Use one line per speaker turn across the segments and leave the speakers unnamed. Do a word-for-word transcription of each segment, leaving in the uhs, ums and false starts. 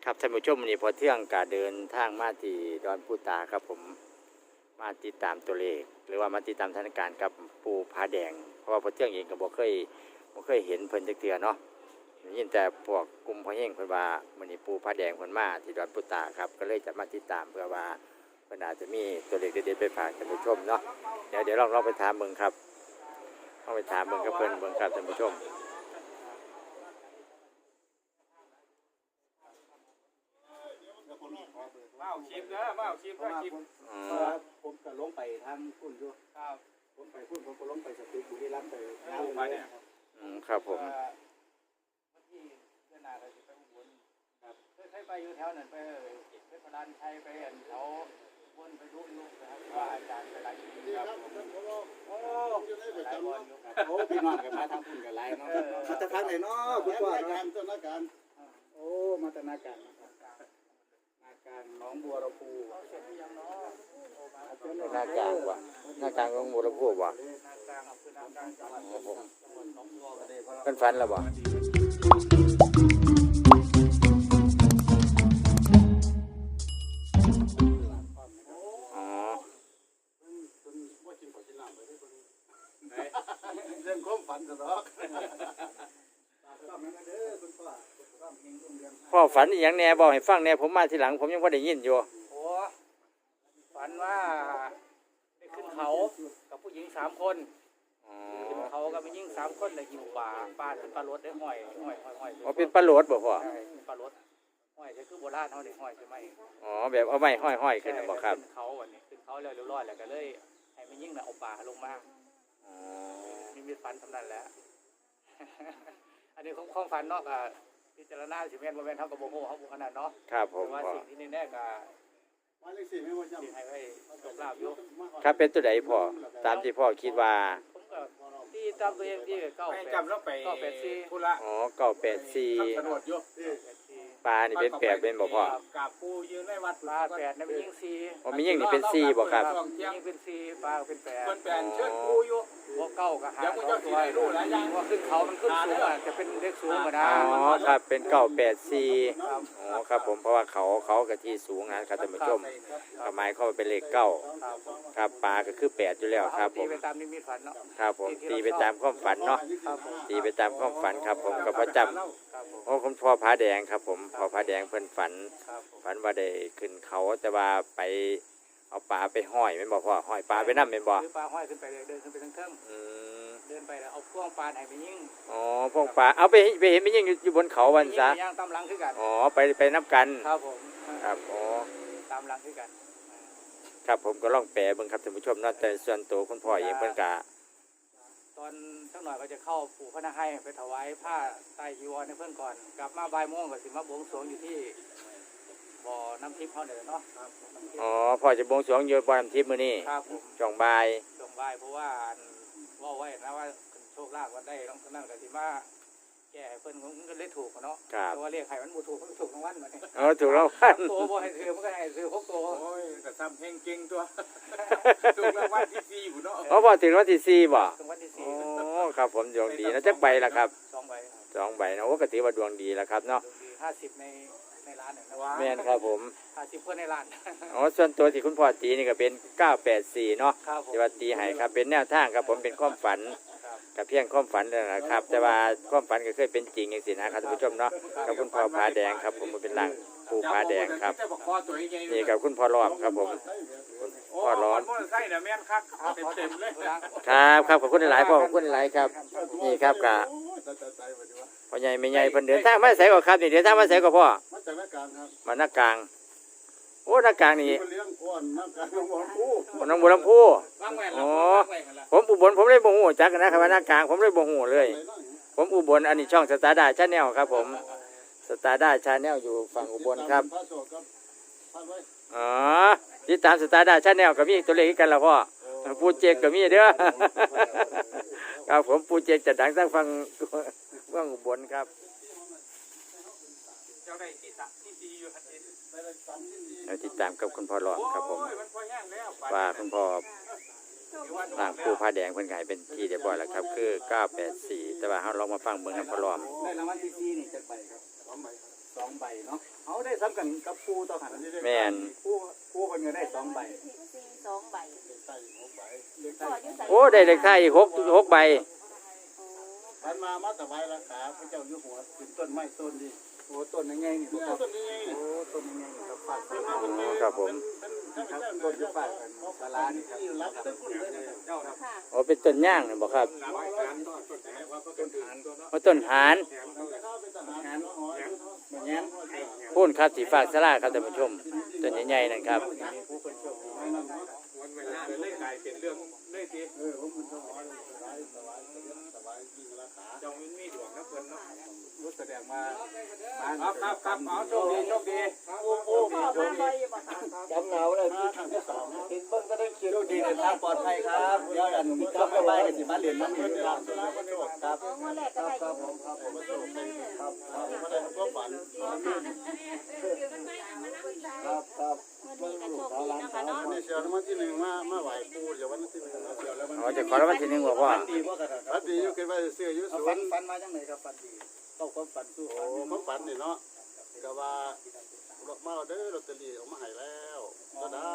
ครับท่านผู้ชมวันนี้พอเที่ยงกาเดินทางมาที่ดอนปูตาครับผมมาติดตามตัวเลขหรือว่ามาติดตามสถานการณ์กับปูผาแดงเพราะว่าพอเที่ยงเองก็บ่เคยบ่เคยเห็นเพิ่นจักเทื่อเนาะยินแต่พวกกลุ่มพ่อแห้งเพิ่นว่ามื้อนี้ปูผาแดงเพิ่นมาที่ดอนปูตาครับก็เลยจะมาติดตามเพื่อว่าเพิ่นอาจจะมีตัวเลขเด็ดๆไปฝากท่านผู้ชมเนาะเดี๋ยวเดี๋ยวลองลองไปถามเบิ่งครับลองไปถามเบิ่งกับเพิ่นเบิ่งครับท่านผู้ชม
มาเอาคลิปเด้อมาเอาคลิปเด้อคลิป
อืม
ผมก็ลงไปทางพุ่นอยู่
ครับ
ผมไปพุ่นผมก็ลงไปสตึกบุรีรัมย์ไปงาน
ลงไปเนี่ย
อืมครับผม
เอ่อวันที่เดือนหน้าเราจะไปอุบลครับเคยเคยไปอยู่แถวนั้นไปเออไปพระรานชัยไปอันแถวอุบลไปดูลูกนะครับว่าอาจารย์ไปหลายที่ครับโอ้หลายวันอยู่ครับ
โอ้พี่น้องกันมาทางพุ่นกันหลายเนาะมาจากทางไหนเนาะคุณพ่อเนาะนาการโอ้มาจากนาการนะครับนาการหนองบัวลำพู
เสร็จหรือยังเนาะโอ้มา
หน้ากลางว่ะหน้ากลางของบัวลำพูว่ะ
นากลางอำเภอนากลางจังหวัด
ครับผม
จังหวัดหนองบัวก็ได้เพราะเรา
เพิ่นฝันแล้วบ่อ๋อ
เรื่องความฝันซะดอกต้องนั้นเด้อคุณพ่อต้องเฮงรุ่งเรือง
พ่อฝันอีหยังแหน่บอกให้ฟังแหน่ผมมาทีหลังผมยังบ่ได้ยินอยู่
โอ้ฝันว่าได้ขึ้นเขากับผู้หญิงสามคน
อ๋อ
ขึ้นเขากับผู้หญิงสามคนเลยอยู่ป่าป่าเป็นปลารถได้ห้อยห้อยห้อยห้อย
อ๋อเป็นปลาโหลดบ่พ่อ
ใช่เป็นปลารถห้อยก็คือโบราณเขาได้ห้อยใช่ไหม
อ๋อแบบเอาไม้ห้อยๆขึ้นน่ะบ่ครับ
ขึ้นเขาวันนี้ขึ้นเขาแล้วเรียบร้อยแล้วก็เลยให้มันยิ่งน่ะเอาป่าลงมา
อ๋อ
มีมีฝันสำนันแหล้ว อันนี้ของของฝันเนาะก็พิจารณาสิแม่นบ่แม่นเฮาก็บ่ฮู้เฮาบ่ขนาดเนาะ
ครับผม
แต่ว่า
พ่อ
สิ่งที่แน่ๆก็
มาเลขสี่ไม่ว่าจ
สิให้ไว้โชคลาภอยู่
ครับเป็นตัวใดพ่อตามที่พ่อคิดว่า
ผมก็ที่ตามตัวเองที่เก้า
ไม่
แปด
จำแล้วไป
เก้าแปดสี่
ธุระ
อ๋อเก้าแปดสี่
ทำสนดอยู่
แปดสี่
ปลานี่เป็นแปดเป็นบ่พ่อ
กราบปูยืนในวัด
ปลาแปดนั่นเป็นยิงสี่
อ๋อมียิ่งนี่เป็นสี่บ่ครับ
ยิงเป็นสี่ปลาเป็นแปด
คนแปลนเชิญปูอยู่
พวกเก้าก็หา
เดี๋ยวมึงจะสิได้รู้หลายอย่าง
ว่าขึ้นเขามันขึ้นสูงอ่ะจะเป็นเลขสูงกว่านะ
อ๋อครับเป็นเก้าแปดสี่
ครับ
อ๋อครับผมเพราะว่าเขาเขากับที่สูงนะครับท่านผู้ชมก็หมายเข้าไปเป็นเลขเก้า
ครับ
ครับปลาก็คือแปดอยู่แล้วครับผ
ตี
ม
ไปตามนิมิตฝันเนาะ
ครับผมตีไปตามความฝันเนาะ
ครับผม
ตีไปตามความฝันครับผมกับประจำ
ครับผม
โอ้คุณพ่อผาแดงครับผมพ่อผาแดงเพิ่นฝัน
ครับผม
ฝันว่าได้ขึ้นเขาแต่ว่าไปเอาปลาไปห้อยแม่นบ่พ่อห้อยปลาไปนำแม่นบ่
ซื้อปลาห้อยขึ้นไปเลยเดินขึ้นไปทั้งเทิง
อืม
เดินไปแล้วเอาพ่วงปลาไหนไปยิง
อ๋อพวกปลาเอาไปไปเห็นมันยังอยู่อยู่บนเขาวันซะ
ย่างตามหลังคือกัน
อ๋อไปไปนับกัน
ครับผม
ครับอ๋อ
ตามหลังคือกัน
ครับผมก็ลองแปลเบิ่งครับท่านผู้ชมเนาะแต่ส่วนตัวคุณพ่อเองเพิ่นก็
ตอนสักหน่อยก็จะเข้าปู่พระนาให้ไปถวายผ้าไตรจีวรให้เพื่อนก่อน กลับมาบ่ายโมงก็สิมาบวงสรวงอยู่ที่บ่อน้ำทิพย์เขาเนี่ยเนาะครับน้ำทิพย์
อ๋อพ่อจะบวงสรวงอยู่บ่อน้ำทิพย์มื้อนี้
ครับผม
ช่วงบ่าย
ช่วงบ่ายเพราะว่าอันว่าไว้นะว่าโชคลาภวันได้ต้องนั่นก็สิมาแก้ให้เพิ่นมันก็เลยถูกอะเนาะ
ครับ
แต่ว่าเรียกให้มันบ่ถูกมันก็ถูกทั้งวันมาเนี่ย
อ๋อถูกแล้วพัน
ตัวบ่ให้ซื้อมันก็ให้ซื้อหกตัว
โอ้ยแต่ทำเพลงเก่งตัวถูกรางวัลที่สี่อยู่เนาะ
อ๋อพอถึงวันที่สี่บ่
ถึงวันที่
โอ้
สี่
ครับผมดวงดีนะจักใบล่ะครับ
สองใบครับ
สองใบนะโอ้ก็ถือว่าดวงดีแล้วครับเนาะ
ดวงดีห้าสิบในในร้านเนี่ยนะ
แม่นครับผม
ห้าสิบเพื่อนในร้าน
อ๋อส่วนตัวที่คุณพ่อตีนี่ก็เป็นเก้าแปดสี่เนาะ
ครับผม
ที่ว่าตีให้ครับเป็นแนวทางครับผมเป็นความฝัน
ครับ
กับเพียงความฝันนั่นแหละครับ แต่ว่าความฝันก็เคยเป็นจริงอย่างสินะครับท่านผู้ชมเนาะกับคุณพ่อผาแดงครับ ผมมันเป็นร่างปูผาแดงครับ
แต่บอกคอตัวใหญ่ๆ
นี่กับคุณพ่อรอบครับผม
โอ้
พ่อร้อม
มอเตอร์ไซค์น่ะแม่นคักเต็มๆเลย
ครับครับขอบคุณหลายๆพ่อขอบคุณหลายๆครับ นี่ครับกะ
โอ้ยตายตายตายวันนี้วะ
พ่อใหญ่แม่ใหญ่เพิ่นเดินทางมาใส่ก่อนครับนี่เดินทางมาใส่ก่อนพ่อ
มาจากนาการครับ
มาหน้ากลาง โอ้หน้ากลางนี่
มาเลี้ยงอ้วนนาการน้องบอลผู้
น้องบัวลำพู
วางแหวน
อ๋
แล้ว
อ
วางแหวนกันละ
ผมอุบลผมเลยบ่ฮู้จักนะครับว่าหน้ากลางผมเลยบ่ฮู้เลย
ไหนน้อย
ผมอุบลอันนี้ช่องสตาร์ดาชาแนลครับผมสตาร์ดาชาแนลอยู่ฝั่งอุบลครับ
พระโสดครับพระไว้
อ๋อติดตามสตาร์ดาชาแนลก็มีตัวเลขกันแล้วพ่อปูเจกก็มีเด้อ ครับผมปูเจกจะดังทั้งฝั่งฝั่งอุบลครับ
เจ้าได้ที่สามที่สี่อยู่ทันที
เราติดตามกับคุณพ่อหลอมครับผม
โอ้ยมันพอแห้งแล้ว
ว่าคุณพ่อร่างปูผ้าแดงเพิ่นขายเป็นที่เรียบร้อยแล้วครับคือเก้าแปดสี่แต่ว่าเราลองมาฟังเบิ่งกับพ่อหลอม
ได้รางวัลที่สี่นี่จะไปครับสองใบครับองใบเนาะเอาได้ซ้ำกันกับปูต่อหัน
แม่น
ปูปูเพิ่นก็ได้สองใบ
สี่สองใบ
ใส่หกใบ
พ่ออยู่ใส่
โอ้ได้เลขท้ายอีกหกหกใบ
มันมามาถวายราคาพระเจ้าอยู่หัวถึงต้นไม้ต้นนี้โอ้ต้นยังไงนี่บ่ครับต้นยังไงโอ้ต้นยังไงนี่ครับฝาก
อ๋อครับผม
ครับต้นอยู่ฝากกันศาลานี่ครับรับต้นคุณเลยเจ้าครับ
ค่ะ
โอ้เป็นต้นย่างนี่บ่ครับ
ต้นฐานต้น
ว่าต้นหาน
เป็นทหารเนาะอ๋อเหมือนงั้น
พูนครับสีฝากสลาครับท่านผู้ชมต้นใหญ่ๆนั่นครับ
ผู้คนโชคดี
วันเวลาเลยกลายเป็นเรื่องเลยที
เออผมมันถวายถวายถวายถวายจริงราคา
เจ้ามันมีดวงนะเพิ่นเนาะ
รู้แสดงมา
ครับครับครับเอาโชคดีโชคดี
โอ้โห
พ่อมาบ่อยบ่ค่ะ
จำเหงาเลยครั้งที่สองเห็นเบิ้งก็ได้คิวดีเดินทางปลอดภัยครับเดี๋ยวอันกลับไปกันสิมาเรียนน้ำมันครับครับ
อ๋อมื้อแรกก็ได้อยู่
ครับผมมาส่งครับครับมาได้ครับฝันครับครับ
มื้อนี้ก็โชคดีนะคะเนาะ
นี่เชียววันที่หนึ่งมามาไหวปูเดี๋ยววันที่หนึ่งเดี๋ยวแล้วมัน
อ๋อจะขอรางวัลที่หนึ่งบอกว่า
ดีว่ากันครับฝันดีอยู่คิดว่าเสื้ออยู่สวนฝันฝันมาจังไหนครับฝันดีต้องความฝันสู้โอ้ความฝันนี่เนาะก็ว่ามาเด้อลอตเตอรี่เอามาให้แล้วก็ได้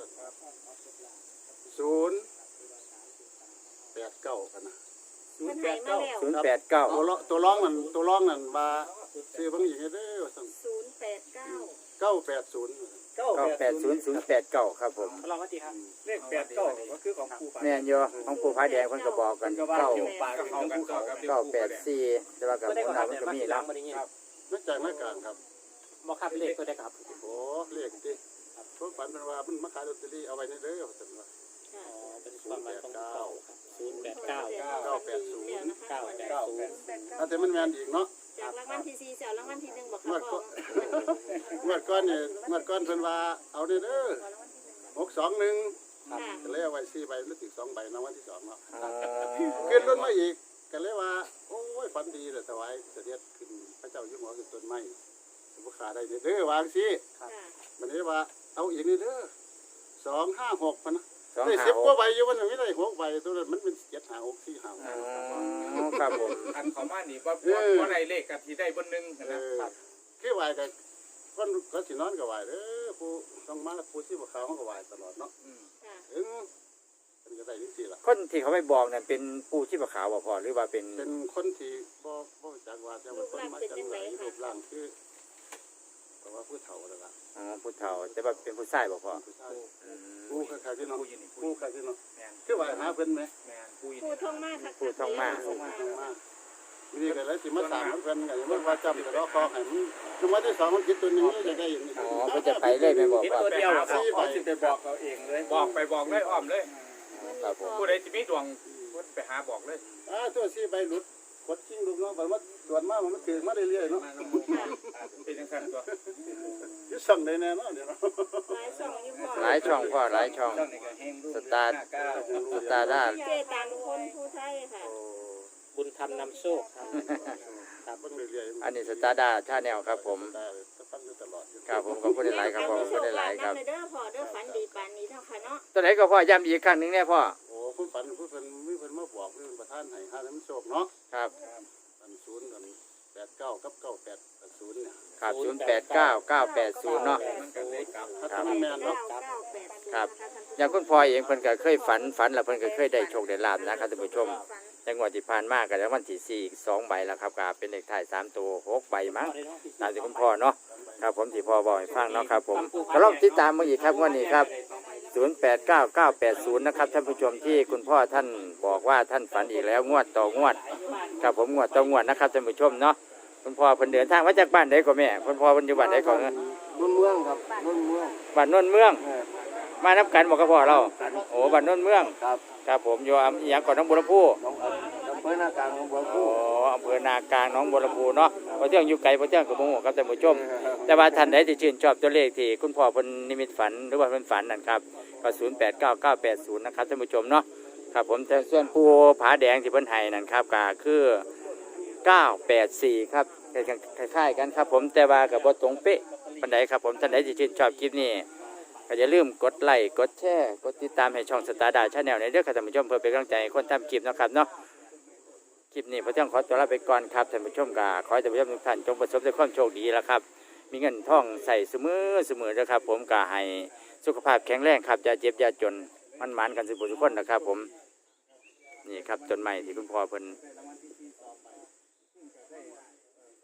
ศูนย์แปดเก้ากันนะ
เพิ่นให้มาแล้ว
ศูนย์แปดเก้า
ตัวร้องตัวร้องนั่นตัวร้องนั่นว่าซื้อบางอย่างให้เด้อสั่ง
ศูนย์แปดเก้า
เก้าแปดศูนย์เก้า
เก้าแปดศูนย์ศูนย์แปดเก้าครับผม
ลองกันทีครับเลขแปดเก้าก็คือของปูฝัน
แม่นอยู่ของปู่พระแดงเพิ่นก็บอกกันเก้า
ปากกับเขากันต่อครับ
เก้าแปดสี่แต่ว่ากับคนเรามันก็มีเนาะ
นักจากนักการครับ
บ่ครับเลขตัวใดครับ
โอ้เลขดิพวกฝันเป็นว่ามันมาขายลอตเตอรี่เอาไว้ในเด้อสั่งว่า
ค่ะ
เป็น
ศู
ความ
นย์
ห
แป
มาย
ด
ของ
เก้า
ศูนย์แปดเก้า
เก้าแปดศูนย์
เก้าแปดศูนย์
ถ้าแต่มันแมนอีกเนาะ
จากรางวัลที่สี่เสียรางวัลที่หนึ่งบ่ค่ะ
เมื่อ
พ่
ก่
อ
อนเมื่อก่อนเนี่ยเมื่อก่อนเพิ่นว่าเอาเด้อเด้อหกสองหนึ่ง
ค่ะ
ก็เลยเอาไว้สี่ใบหรือถึงสองใบนะวันที่สองเนาะ
อ๋อ
ขึ้นรถมาอีกก็เลยว่าโอ้ยฝันดีเลยถวายเสด็จขึ้นพระเจ้าอยู่หัวขึ้นต้นไม้บุขาได้เด้อวางสิ
ค่ะ
มันนี้ว่าเอาอีกนี่เด้อสองห้าหกพันนะ
สอง
ได้
ห้า
สิบ
ห
กว่าก ใบอยู่วันนี้ไม่ได้หกใบตัวนั้นมันเป็นเจ็ดห้าหกสี่ห้า
อ๋อครับผม
อันเขามานี่ว่าว่าไรเลขกันที่ได้บนหนึ่ง
เอ
นะ
อคือไหวกับคนก็สินอนกับไหวเด้อผู้ต้องมาแล้วผู้ที่บ่ขาวเขาก็ไหวตลอดเนาะ
ค่ะ
ถึงเป็นก็ได้ที่สี่ละ
คนที่เขาไม่บอกนั่นเป็นปู่ชีพขาวบ่พอหรือว่าเป็น
เป็นคนที่บ่บ่จักว่าแต่ว่าคนมาจังไหนรูปร่างคือเพราะว่าผู้เฒ่าแล้วล่ะ
อ๋อผู้เฒ่าแต่ว่าเป็นผู้ชายบ่พอ
ผู้ชาย
อืม
ผู้คล้ายๆที่เนาะ
ผู้ยินดี
ผู้คล้ายๆที่เนาะ
แมน
คือว่าหาเพิ่นไหม
แมนผู้ยิน
ผู้ท่องมากค่ะ
ผู้ท่องมาก
ผู้มามานี่ก็เลยสิมาสร้างเพิ่นก็ยังบ่ว่าจำแต่รอคอให้มันคือว่าที่สองมันคิดตัวนึงจะได้อย่างนี้
อ๋อเพิ่นจะไปเลยแม่นบอกว่า
ตัวเดียวครับพ่อสิไปบอกเราเองเลย
บอกไปบอกเลยอ้อมเลย
ครับผม
ผู้ใดที่มีดวงไปหาบอกเลย
อ่าตัวสี่ใบหลุดกดชิงลูกเนาะบัดว่าตรวจมามันถึงมาเรื่อยๆเนาะ
เป็นยังสั่นตัว
อยู่สั่งได้แน่เนาะเดี๋ยวเนาะ
หลายช่องอยู่พ่อ
หลายช่องพ่อหลายช่อง สตาร์สตาร์ด้า
เจตังคนผู้ไทยค่ะ
บุญธรรมนำโชคครับ
ครับเบิ่งเรื่อยๆ
อันนี้สตาร์ด้าชาแนลครับผม
ได้จะฟังอยู่ตลอดอยู่
ครับผมขอบคุณหลายๆครับขอบคุณหลายๆครับ
เด้อพ่อเด้อฝันดีปานนี้เนาะค่ะเนาะ
ตัวไหนก็พ่อย้ำอีกครั้งหนึงแน่พ่อ
โอ้ผู้ฝันผู้เพิ่นมีเพิ่นมาบอกเรื่องประธานให้หาน้ำโชคเนาะ
ครับ
อันศูนย์กันแปดเก้ากับเก้าแปดศูนย์เนี่ย
ครับศูนย์แปดเก้าเก้าแปดศูนย์เนาะ
มันกันเลยกลับ
ถ้าทำแม่นเนาะ
เก้าแปดศูนย์
ครับ
นะะท่านผู้ชม
อย่างคุณพ่อเองเพิ่นก็เคยฝันฝันแล้วเพิ่นก็เคยได้โชคได้ลาบนะครับท่านผู้ชมจังหวัดที่ผ่านมาก็แล้ววันที่สี่อีกสองใบแล้วครับก็เป็นเลขท้ายสามตัวหกใบมั้งตามที่คุณพ่อเนาะครับผมที่พ่อบอกให้ฟังเนาะครับผมก็ลองติดตามมาอีกครับงวันนี้ครับศูนย์แปดเก้าเก้าแปดศูนย์นะครับท่านผู้ชมที่คุณพ่อท่านบอกว่าท่านฝันอีกแล้วงวดต่องวดครับผมงวดต่องวดนะครับท่านผู้ชมเนาะคุณพ่อเพิ่นเดินทางมาจากบ้านใดก็แม่คุณพ่อเพิ่นอยู่บ้านใดก่อน
นุ่นเมืองครับนุ่นเมือง
บ้านโนนเมือง มานับกันบอกกับพ่อเราโอ้บ้านโนนเมือง
ครับ
ครับผมอยู่อำอีหยังก่อนน้องบัวลำพู
น้องอำเภอหน้ากลางของบัว
โอ้
คู่
อำเภอนากลางหน้องบัวลำพูเนาะพอเที่ยงอยู่ไกลพอเที่ยงกับโมโหครับท่านผู้ชม แต่ว่าท่านใดที่ชื่นชอบตัวเลขที่คุณพ่อเพิ่นนิมิตฝันหรือว่าเพิ่นฝันนั่นครับก็ศูนย์แปดเก้าเก้าแปดศูนย์นะครับท่านผู้ชมเนาะครับผมแต่ส่วนปูผาแดงที่เพิ่นให้นั่นครับก็คือเก้าแปดสี่ครับคล้ายๆกันครับผมแต่ว่ากับบ่ตรงเป๊ะปานใดครับผมท่านใดที่ชื่นชอบคลิปนี้ก็อย่าลืมกดไลค์กดแชร์กดติดตามให้ช่องสตาร์ดาชาแนลในเด้อครับท่านผู้ชมเพื่อเป็นกำลังใจให้คนทำคลิปเนาะครับเนาะคลิปนี้พระเจ้าขอตัวลาไปก่อนครับท่านผู้ชมกาขอให้ท่านผู้ชมทุกท่านจงประสบด้วยความโชคดีแล้วครับมีเงินทองใส่เสมอเสมอนะครับผมกาให้สุขภาพแข็งแรงครับอย่าเจ็บอย่าจนมันหมานกันสุขทุกคนนะครับผมนี่ครับต้นไม้ที่คุณพ่อเพิ่น
รางวัลที่สี่ต่อไปซึ่งจะได้